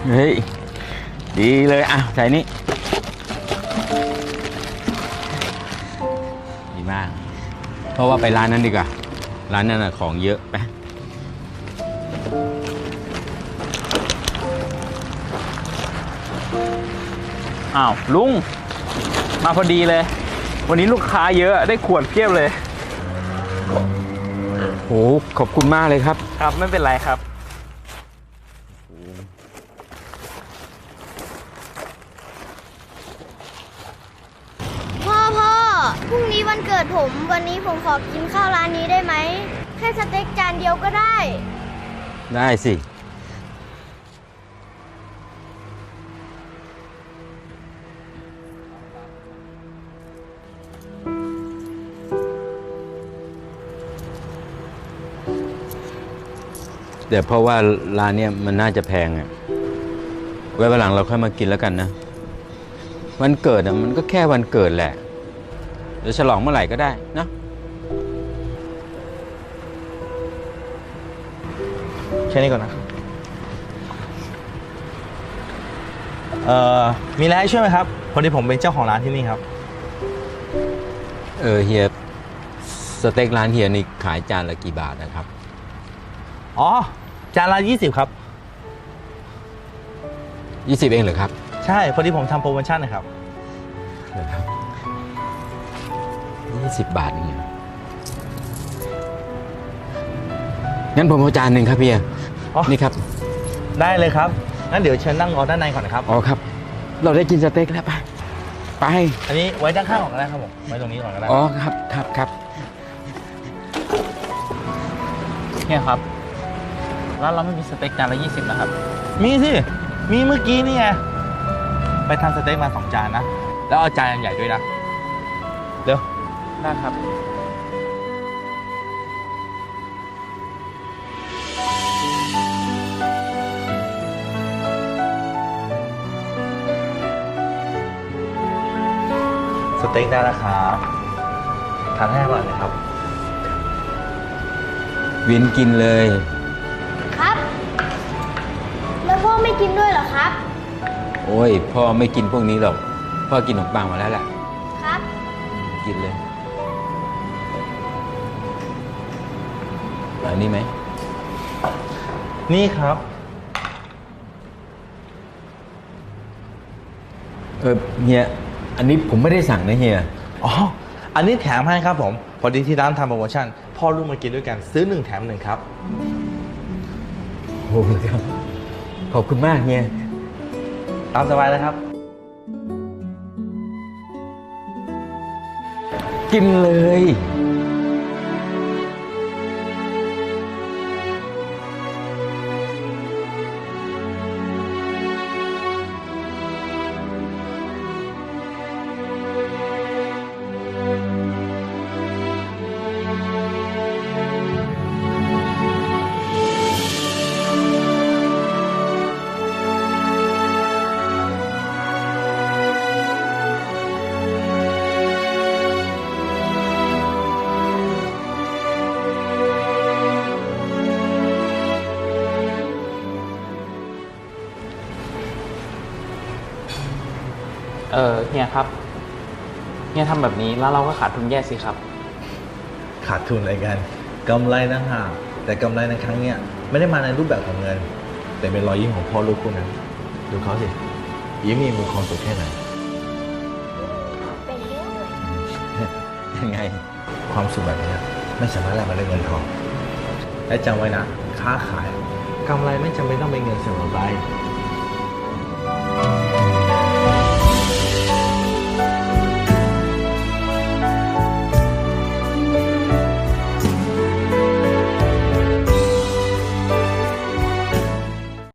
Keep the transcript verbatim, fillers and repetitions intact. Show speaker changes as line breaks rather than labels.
เฮ้ยดีเลยอ่ะใส่นี่ดีมากเพราะว่าไปร้านนั้นดีกว่าร้านนั้นน่ะของเยอะไป
อ้าวลุงมาพอดีเลยวันนี้ลูกค้าเยอะได้ขวดเพียบเลย
โอ้ขอบคุณมากเลยครับ
ครับไม่เป็นไรครับ
พ่อพ่อพรุ่งนี้วันเกิดผมวันนี้ผมขอกินข้าวร้านนี้ได้ไหมแค่สเต็กจานเดียวก็ได้
ได้สิแต่เพราะว่าร้านเนี้ยมันน่าจะแพงอ่ะไว้วันหลังเราค่อยมากินแล้วกันนะวันเกิดอ่ะมันก็แค่วันเกิดแหละเดี๋ยวฉลองเมื่อไหร่ก็ได้นะ
แค่นี้ก่อนนะเอ่อมีอะไรให้ช่วยไหมครับพอดีผมเป็นเจ้าของร้านที่นี่ครับ
เออเฮียสเต็กร้านเฮียนี่ขายจานละกี่บาทนะครับ
อ๋อจานละยี่สิบครับ
ยี่สิบเองเหรอครับ
ใช่พอดีผมทำโปรโมชั่นนะครับ
เหรอครับยี่สิบบาทนี่งั้นผมเอาจานหนึ่งครับเฮียนี่ครับ
ได้เลยครับงั้นเดี๋ยวเชิญนั่งรอด้านในก่อนนะครับ
อ๋อครับเราได้กินสเต็กแล้วไปไป
อันนี้ไว้ด้านข้างก่อนก็ได้ครับผมไว้ตรงนี้ก่อนก็ได้
อ๋อครับครับครับ
เนี่ยครับร้านเราไม่มีสเต็กจานละยี่สิบนะครับ
มีสิมีเมื่อกี้นี่ไงไปทำสเต็กมาสองจานนะแล้วเอาจานใหญ่ด้วยนะเร็ว
ได้ครับ
สเต็กได้แล้วครับทานให้อร่อยนะครับ
วินกินเลย
ครับแล้วพ่อไม่กินด้วยเหรอครับ
โอ้ยพ่อไม่กินพวกนี้หรอกพ่อกินขนมปังมาแล้วแหละ
ครับ
กินเลยอันนี้ไหม
นี่ครับ
เออเฮียอันนี้ผมไม่ได้สั่งนะเฮีย
อ๋ออันนี้แถมให้ครับผมพอดีที่ร้านทำโปรโมชั่นพ่อลูกมากินด้วยกันซื้อหนึ่งแถมหนึ่งครับ
โอ้ครับขอบคุณมากเฮีย
ตามสบายเลยครับ
กินเลย
เออเฮียครับเฮียทำแบบนี้แล้วเราก็ขาดทุนแย่สิครับ
ขาดทุนอะไรกันกำไรนะฮะแต่กำไรในครั้งเนี้ยไม่ได้มาในรูปแบบของเงินแต่เป็นรอยยิ้มของพ่อลูกคู่นั้นดูเขาสิยิ้มมีมือความสุขแค่ไหน
เป็นเรื่องเลย
ยังไง
ความสุขแบบนี้ไม่สามารถแลกมาด้วยเงินทองและจำไว้นะค้าขายกำไรไม่จำเป็นต้องเป็นเงินเสมอไป